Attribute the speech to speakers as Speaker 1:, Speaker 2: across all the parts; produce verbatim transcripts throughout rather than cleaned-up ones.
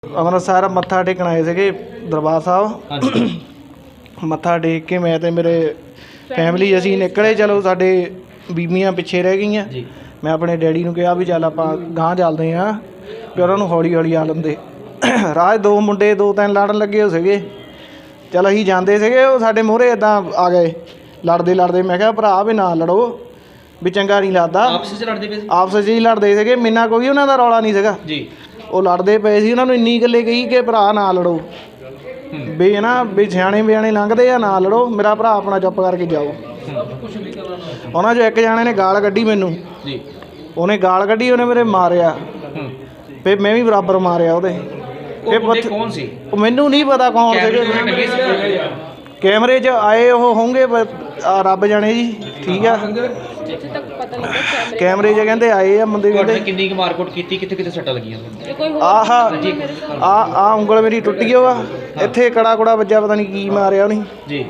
Speaker 1: ਅੰਮ੍ਰਿਤਸਰ ਮੱਥਾ ਟੇਕਣ ਆਏ ਸੀਗੇ ਦਰਬਾਰ ਸਾਹਿਬ। ਮੱਥਾ ਟੇਕ ਕੇ ਮੈਂ ਤੇ ਮੇਰੇ ਫੈਮਿਲੀ ਅਸੀਂ ਨਿਕਲੇ। ਚਲੋ ਸਾਡੇ ਬੀਬੀਆਂ ਪਿੱਛੇ ਰਹਿ ਗਈਆਂ। ਮੈਂ ਆਪਣੇ ਡੈਡੀ ਨੂੰ ਕਿਹਾ ਵੀ ਚੱਲ ਆਪਾਂ ਗਾਂਹ ਚੱਲਦੇ ਹਾਂ ਵੀ ਉਹਨਾਂ ਨੂੰ ਹੌਲੀ ਹੌਲੀ ਆ ਲੈਂਦੇ। ਰਾਹ ਦੋ ਮੁੰਡੇ ਦੋ ਤਿੰਨ ਲੜਨ ਲੱਗੇ ਹੋ ਸੀਗੇ। ਚੱਲ ਅਸੀਂ ਜਾਂਦੇ ਸੀਗੇ, ਉਹ ਸਾਡੇ ਮੂਹਰੇ ਇੱਦਾਂ ਆ ਗਏ ਲੜਦੇ ਲੜਦੇ। ਮੈਂ ਕਿਹਾ ਭਰਾ ਵੀ ਨਾ ਲੜੋ, ਵੀ ਚੰਗਾ ਨਹੀਂ ਲੱਗਦਾ।
Speaker 2: ਆਪਸ 'ਚ ਲੜਦੇ ਪਏ
Speaker 1: ਆਪਸ 'ਚ ਹੀ ਲੜਦੇ ਸੀਗੇ, ਮੇਰੇ ਕੋਈ ਉਹਨਾਂ ਦਾ ਰੌਲਾ ਨਹੀਂ ਸੀਗਾ ਜੀ। ਉਹ ਲੜਦੇ ਪਏ ਸੀ, ਉਹਨਾਂ ਨੂੰ ਇੰਨੀ ਗੱਲੇ ਕਹੀ ਕਿ ਭਰਾ ਨਾ ਲੜੋ, ਵੀ ਹੈ ਨਾ ਵੀ ਸਿਆਣੇ ਬਿਆਣੇ ਲੰਘਦੇ ਆ, ਨਾ ਲੜੋ, ਮੇਰਾ ਭਰਾ ਆਪਣਾ ਚੁੱਪ ਕਰਕੇ ਜਾਓ। ਉਹਨਾਂ 'ਚੋਂ ਇੱਕ ਜਾਣੇ ਨੇ ਗਾਲ ਕੱਢੀ ਮੈਨੂੰ, ਉਹਨੇ ਗਾਲ ਕੱਢੀ, ਉਹਨੇ ਮੇਰੇ ਮਾਰਿਆ, ਫਿਰ ਮੈਂ ਵੀ ਬਰਾਬਰ ਮਾਰਿਆ ਉਹਦੇ।
Speaker 2: ਇਹ ਕੌਣ ਸੀ?
Speaker 1: ਉਹ ਮੈਨੂੰ ਨਹੀਂ ਪਤਾ ਕੌਣ ਸੀਗੇ, ਕੈਮਰੇ 'ਚ ਆਏ ਉਹ ਹੋਣਗੇ ਰੱਬ ਜਾਣੇ ਜੀ। ਠੀਕ ਆ, ਕੈਮਰੇ 'ਚ ਕਹਿੰਦੇ ਆਏ ਆ ਬੰਦੇ। ਕਹਿੰਦੇ
Speaker 2: ਕਿੰਨੀ ਕੁ ਮਾਰਕੁੱਟ ਕੀਤੀ, ਕਿੱਥੇ ਕਿੱਥੇ ਸੱਟਾਂ ਲੱਗੀਆਂ?
Speaker 1: ਆਹ ਆ ਆ ਉਂਗਲ ਮੇਰੀ ਟੁੱਟ ਗਈ ਵਾ, ਇੱਥੇ ਕੜਾ ਕੁੜਾ ਵੱਜਿਆ, ਪਤਾ ਨਹੀਂ ਕੀ ਮਾਰਿਆ ਉਹਨੇ ਜੀ।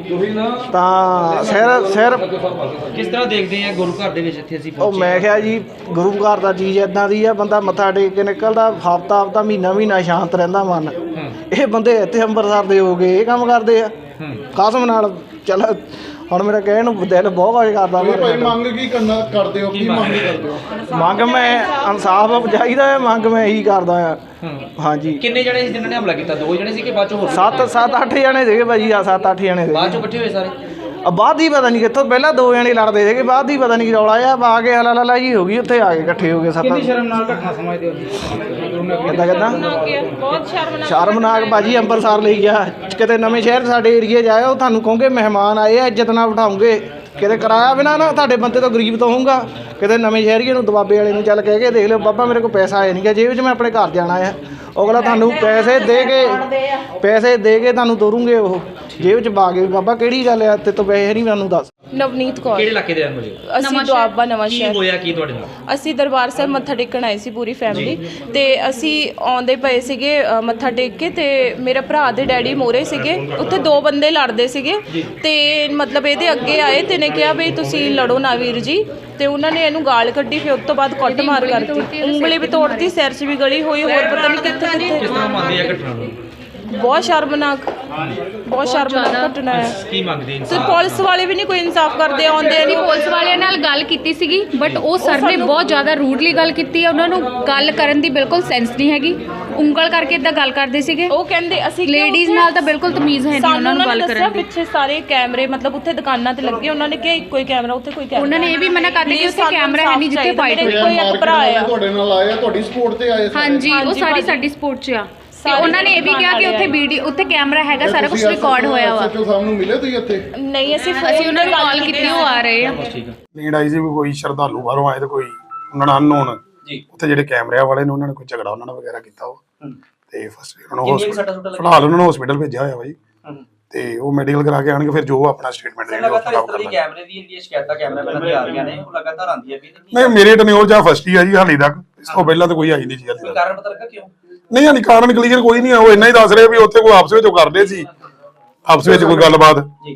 Speaker 1: ਤਾਂ ਸਿਰ ਸਿਰ
Speaker 2: ਕਿਸ ਤਰ੍ਹਾਂ ਦੇਖਦੇ ਆ ਗੁਰੂ ਘਰ ਦੇ ਵਿੱਚ ਇੱਥੇ ਅਸੀਂ?
Speaker 1: ਉਹ ਮੈਂ ਕਿਹਾ ਜੀ ਗੁਰੂ ਘਰ ਦਾ ਚੀਜ਼ ਇੱਦਾਂ ਦੀ ਆ, ਬੰਦਾ ਮੱਥਾ ਟੇਕ ਕੇ ਨਿਕਲਦਾ, ਹਫ਼ਤਾ ਹਫ਼ਤਾ ਮਹੀਨਾ ਮਹੀਨਾ ਸ਼ਾਂਤ ਰਹਿੰਦਾ ਮਨ। ਇਹ ਬੰਦੇ ਇੱਥੇ ਅੰਮ੍ਰਿਤਸਰ ਦੇ ਹੋ ਗਏ, ਇਹ ਕੰਮ ਕਰਦੇ ਆ ਕਸਮ ਨਾਲ। ਚੱਲ ਹੁਣ ਮੇਰਾ ਕਹਿਣ ਨੂੰ ਦਿਲ ਬਹੁਤ ਵਾਜ ਕਰਦਾ।
Speaker 3: ਮੰਗ ਕੀ ਕਰਨਾ ਕਰਦੇ ਹੋ? ਕੀ ਮੰਗ ਕਰਦੇ ਹੋ?
Speaker 1: ਮੰਗ ਮੈਂ ਇਨਸਾਫ ਚਾਹੀਦਾ ਹੈ, ਮੰਗ ਮੈਂ ਇਹੀ ਕਰਦਾ ਆ। ਹਾਂਜੀ।
Speaker 2: ਕਿੰਨੇ ਜਣੇ ਸੀ ਜਿਨ੍ਹਾਂ ਨੇ ਹਮਲਾ ਕੀਤਾ? ਦੋ ਜਣੇ ਸੀ ਕਿ ਬਾਅਦ ਚੋਂ ਹੋਰ?
Speaker 1: ਸੱਤ ਸੱਤ ਅੱਠ ਜਣੇ ਸੀਗੇ ਭਾਜੀ, ਆ ਸੱਤ ਅੱਠ ਜਣੇ
Speaker 2: ਬਾਅਦ ਚੋਂ ਇਕੱਠੇ ਹੋਏ ਸਾਰੇ?
Speaker 1: ਬਾਅਦ ਹੀ ਪਤਾ ਨਹੀਂ ਕਿੱਥੋਂ, ਪਹਿਲਾਂ ਦੋ ਜਣੇ ਲੜਦੇ ਸੀਗੇ, ਬਾਅਦ ਹੀ ਪਤਾ ਨਹੀਂ ਰੌਲਾ ਆ ਆ ਕੇ ਹਲਾ ਲਾ ਜੀ ਹੋ ਗਈ, ਉੱਥੇ ਆ ਕੇ ਇਕੱਠੇ ਹੋ ਗਏ ਸੱਤ।
Speaker 4: ਕਿੰਨੀ ਸ਼ਰਮਨਾਕ ਘਟਨਾ ਸਮਝਦੇ ਹੋ?
Speaker 1: ਕਿੱਦਾਂ ਕਿੱਦਾਂ
Speaker 5: ਬਹੁਤ ਸ਼ਰਮਨਾਕ
Speaker 1: ਸ਼ਰਮਨਾਕ ਭਾਜੀ। ਅੰਮ੍ਰਿਤਸਰ ਲਈ ਗਿਆ, ਕਿਤੇ ਨਵੇਂ ਸ਼ਹਿਰ ਸਾਡੇ ਏਰੀਏ 'ਚ ਆਇਆ, ਉਹ ਤੁਹਾਨੂੰ ਕਹੋਗੇ ਮਹਿਮਾਨ ਆਏ ਆ, ਇੱਜ਼ਤ ਨਾਲ ਬਿਠਾਉਂਗੇ। ਕਿਤੇ ਕਿਰਾਇਆ ਬਿਨਾਂ ਨਾ ਤੁਹਾਡੇ ਬੰਦੇ ਤੋਂ ਗਰੀਬ ਤੋਂ ਹੋਊਗਾ। ਕਿਤੇ ਨਵੇਂ ਸ਼ਹਿਰੀਏ ਨੂੰ ਦਬਾਬੇ ਵਾਲੇ ਨੂੰ ਚੱਲ ਕਹਿ ਕੇ ਦੇਖ ਲਿਓ, ਬਾਬਾ ਮੇਰੇ ਕੋਲ ਪੈਸਾ ਆਇਆ ਨਹੀਂ ਗਾ ਜੇਬ 'ਚ, ਮੈਂ ਆਪਣੇ ਘਰ ਜਾਣਾ ਆ। ਅਗਲਾ ਤੁਹਾਨੂੰ ਪੈਸੇ ਦੇ ਕੇ ਪੈਸੇ ਦੇ ਕੇ ਤੁਹਾਨੂੰ ਤੋਰੂਗੇ, ਉਹ ਜੇਬ 'ਚ ਪਾ ਕੇ। ਬਾਬਾ ਕਿਹੜੀ ਗੱਲ ਆ, ਤੇ ਤੋਂ ਪੈਸੇ ਨਹੀਂ ਮੈਨੂੰ ਦੱਸ।
Speaker 5: ਨਵਨੀਤ ਕੌਰ।
Speaker 2: ਕਿਹੜੇ ਇਲਾਕੇ ਦੇ ਰਹਿਣ ਵਾਲੇ?
Speaker 5: ਅਸੀਂ ਦੁਆਬਾ ਨਵਾਂ ਸ਼ਹਿਰ।
Speaker 2: ਕੀ ਹੋਇਆ ਕੀ ਤੁਹਾਡੇ ਨਾਲ?
Speaker 5: ਅਸੀਂ ਦਰਬਾਰ ਸਾਹਿਬ ਮੱਥਾ ਟੇਕਣ ਆਏ ਸੀ ਪੂਰੀ ਫੈਮਿਲੀ, ਤੇ ਅਸੀਂ ਆਉਂਦੇ ਪਏ ਸੀਗੇ ਮੱਥਾ ਟੇਕ ਕੇ, ਤੇ ਮੇਰੇ ਭਰਾ ਦੇ ਡੈਡੀ ਮੋਰੇ ਸੀਗੇ, ਉੱਥੇ ਦੋ ਬੰਦੇ ਲੜਦੇ ਸੀਗੇ, ਤੇ ਮਤਲਬ ਇਹਦੇ ਅੱਗੇ ਆਏ ਤੇ ਨੇ ਕਿਹਾ ਵੀ ਤੁਸੀਂ ਲੜੋ ਨਾ ਵੀਰ ਜੀ, ਤੇ ਉਹਨਾਂ ਨੇ ਇਹਨੂੰ ਗਾਲ ਕੱਢੀ। ਫਿਰ ਉਸ ਤੋਂ ਬਾਅਦ ਕੁੱਟ ਮਾਰ ਕਰਤੀ, ਉਂਗਲੀ ਵੀ ਤੋੜਤੀ, ਸਿਰ 'ਚ ਵੀ ਗਲੀ ਹੋਈ, ਹੋਰ ਪਤਾ ਨਹੀਂ ਕਿੱਥੇ ਕਿੱਥੇ।
Speaker 2: ਕਿਸ ਤਰ੍ਹਾਂ ਮੰਨਦੇ ਆ ਘਟਨਾ ਨੂੰ?
Speaker 5: ਬਹੁਤ ਸ਼ਰਮਨਾਕ, ਬਹੁਤ ਸ਼ਰਮਨਾਕ ਘਟਨਾ ਹੈ।
Speaker 2: ਕੀ ਮੰਗਦੇ
Speaker 5: ਤੇ ਪੁਲਿਸ ਵਾਲੇ ਵੀ ਨਹੀਂ ਕੋਈ ਇਨਸਾਫ ਕਰਦੇ, ਆਉਂਦੇ ਨਹੀਂ।
Speaker 6: ਪੁਲਿਸ ਵਾਲਿਆਂ ਨਾਲ ਗੱਲ ਕੀਤੀ ਸੀਗੀ, ਬਟ ਉਹ ਸਰ ਨੇ ਬਹੁਤ ਜ਼ਿਆਦਾ ਰੂਡਲੀ ਗੱਲ ਕੀਤੀ ਹੈ। ਉਹਨਾਂ ਨੂੰ ਗੱਲ ਕਰਨ ਦੀ ਬਿਲਕੁਲ ਸੈਂਸ ਨਹੀਂ ਹੈਗੀ, ਉਂਗਲ ਕਰਕੇ ਇਦਾਂ ਗੱਲ ਕਰਦੇ ਸੀਗੇ।
Speaker 5: ਉਹ ਕਹਿੰਦੇ ਅਸੀਂ
Speaker 6: ਲੇਡੀਜ਼ ਨਾਲ ਤਾਂ ਬਿਲਕੁਲ ਤਮੀਜ਼ ਹੈ ਨਹੀਂ ਉਹਨਾਂ ਨੂੰ ਗੱਲ ਕਰਨ ਦੀ।
Speaker 5: ਪਿੱਛੇ ਸਾਰੇ ਕੈਮਰੇ ਮਤਲਬ ਉੱਥੇ ਦੁਕਾਨਾਂ ਤੇ ਲੱਗੇ, ਉਹਨਾਂ ਨੇ ਕਿਹਾ ਇੱਕੋ ਹੀ ਕੈਮਰਾ, ਉੱਥੇ ਕੋਈ ਕੈਮਰਾ।
Speaker 6: ਉਹਨਾਂ ਨੇ ਇਹ ਵੀ ਮਨਾ ਕਰ ਦਿੱਤਾ ਕਿ ਉੱਥੇ ਕੈਮਰਾ ਹੈ ਨਹੀਂ ਜਿੱਥੇ ਫਾਈਟ ਹੋਈ।
Speaker 5: ਕੋਈ ਇੱਕ ਭਰਾ ਆ
Speaker 3: ਤੁਹਾਡੇ ਨਾਲ ਆਏ ਆ, ਤੁਹਾਡੀ ਸਪੋਰਟ ਤੇ ਆਏ?
Speaker 6: ਹਾਂਜੀ, ਉਹ ਸਾਰੀ ਸਾਡੀ ਸਪੋਰਟ 'ਚ ਆ। ਤੇ ਉਹਨਾਂ ਨੇ ਇਹ ਵੀ ਕਿਹਾ ਕਿ ਉੱਥੇ ਵੀਡੀਓ, ਉੱਥੇ ਕੈਮਰਾ ਹੈਗਾ, ਸਾਰਾ ਕੁਝ ਰਿਕਾਰਡ ਹੋਇਆ ਵਾ।
Speaker 3: ਸੱਚੋ ਸਾਹਿਬ ਨੂੰ ਮਿਲੇ ਤੁਸੀਂ ਇੱਥੇ?
Speaker 5: ਨਹੀਂ, ਅਸੀਂ
Speaker 6: ਅਸੀਂ ਉਹਨਾਂ ਨੂੰ ਕਾਲ ਕੀਤੀ, ਉਹ ਆ ਰਹੇ ਆ।
Speaker 7: ਨੀਡ ਆਈ ਸੀ ਵੀ ਕੋਈ ਸ਼ਰਧਾਲੂ ਬਾਹਰੋਂ ਆਏ ਤੇ ਕੋਈ ਉਹਨਾਂ ਨਾਲ ਅਨਨੋਨ ਜੀ, ਉੱਥੇ ਜਿਹੜੇ ਕੈਮਰਿਆਂ ਵਾਲੇ ਨੇ ਉਹਨਾਂ ਨੇ ਕੋਈ ਝਗੜਾ ਉਹਨਾਂ ਨਾਲ ਵਗੈਰਾ ਕੀਤਾ ਉਹ, ਤੇ ਫਸਟ ਉਹਨਾਂ ਨੂੰ ਹਸਪੀਟਲ, ਫਿਲਹਾਲ ਉਹਨਾਂ ਨੂੰ ਹਸਪੀਟਲ ਭੇਜਿਆ ਹੋਇਆ ਬਾਈ, ਤੇ ਉਹ ਮੈਡੀਕਲ ਕਰਾ ਕੇ ਆਣਗੇ, ਫਿਰ ਜੋ ਆਪਣਾ ਸਟੇਟਮੈਂਟ ਦੇਣਗੇ ਉਹ ਖਰਾਬ ਕਰ ਲਾਂਗੇ।
Speaker 2: ਕੈਮਰੇ ਦੀ ਜਿਹੜੀ ਸ਼ਿਕਾਇਤਾਂ ਕੈਮਰਾ ਮੈਨਾਂ ਦੀ ਆ ਰਹੀਆਂ ਨੇ, ਉਹ ਲਗਾਤਾਰ ਆਉਂਦੀਆਂ ਵੀ
Speaker 7: ਨਹੀਂ, ਮੇਰੇ ਟਨਿਓਰ ਜਾਂ ਫਸਟ ਹੀ ਆ ਜੀ ਹਾਲੇ ਤੱਕ, ਇਸ ਤੋਂ ਪਹਿਲਾਂ ਤਾਂ ਕੋਈ ਆਈ ਨਹੀਂ ਸੀ ਹਾਲੇ ਤੱਕ।
Speaker 2: ਕਾਰਨ ਪਤਾ ਲੱਗਾ ਕਿਉਂ?
Speaker 7: ਨਹੀਂ ਹਾਲੇ ਕਾਰਨ ਕਲੀਅਰ ਕੋਈ ਨਹੀਂ ਆ, ਉਹ ਇੰਨਾ ਹੀ ਦੱਸ ਰਹੇ ਵੀ ਉੱਥੇ ਕੋਈ ਆਪਸ ਵਿੱਚ ਉਹ ਕਰਦੇ ਸੀ, ਆਪਸ ਵਿੱਚ ਕੋਈ ਗੱਲਬਾਤ,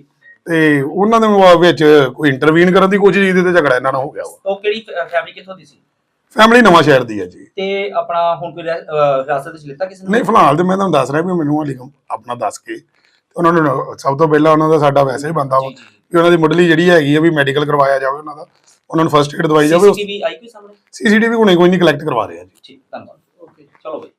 Speaker 7: ਤੇ ਉਹਨਾਂ ਦੇ ਵਿੱਚ ਕੋਈ ਇੰਟਰਵੀਨ ਕਰਨ ਦੀ ਕੋਸ਼ਿਸ਼ ਕੀਤੀ ਤੇ ਝਗੜਾ ਇਹਨਾਂ ਨਾਲ ਹੋ ਗਿਆ।
Speaker 2: ਉਹ ਕਿਹੜੀ ਫੈਮਿਲੀ ਕਿੱਥੋਂ ਦੀ ਸੀ?
Speaker 7: ਫੈਮਿਲੀ ਨਵਾਂ ਸ਼ਹਿਰ ਦੀ ਹੈ ਜੀ।
Speaker 2: ਤੇ ਆਪਣਾ ਹੁਣ ਕੋਈ ਹਿਰਾਸਤ ਵਿੱਚ ਲਿੱਤਾ ਕਿਸੇ ਨੇ?
Speaker 7: ਨਹੀਂ, ਫਿਲਹਾਲ ਤੇ ਮੈਂ ਤੁਹਾਨੂੰ ਦੱਸ ਰਿਹਾ ਵੀ ਮੈਨੂੰ ਹਾਲੇ ਆਪਣਾ ਦੱਸ ਕੇ ਉਹਨਾਂ ਨੂੰ ਸਭ ਤੋਂ ਪਹਿਲਾਂ ਉਹਨਾਂ ਦਾ ਸਾਡਾ ਵੈਸੇ ਹੀ ਬੰਦਾ ਵਾ ਕਿ ਉਹਨਾਂ ਦੀ ਮੁੱਢਲੀ ਜਿਹੜੀ ਹੈਗੀ ਆ ਵੀ ਮੈਡੀਕਲ ਕਰਵਾਇਆ ਜਾਵੇ, ਉਹਨਾਂ ਦਾ ਉਹਨਾਂ ਨੂੰ ਫਸਟ ਏਡ ਦਵਾਈ ਜਾਵੇ।
Speaker 2: ਸੀਸੀਟੀਵੀ ਆਈ ਕੋਈ ਸਾਹਮਣੇ?
Speaker 7: ਸੀਸੀਟੀਵੀ ਹੁਣੇ ਕੋਈ ਨਹੀਂ ਕਲੈਕਟ ਕਰਵਾ ਰਿਹਾ ਜੀ।
Speaker 2: ਠੀਕ, ਧੰਨਵਾਦ। ਓਕੇ, ਚਲੋ ਬਈ।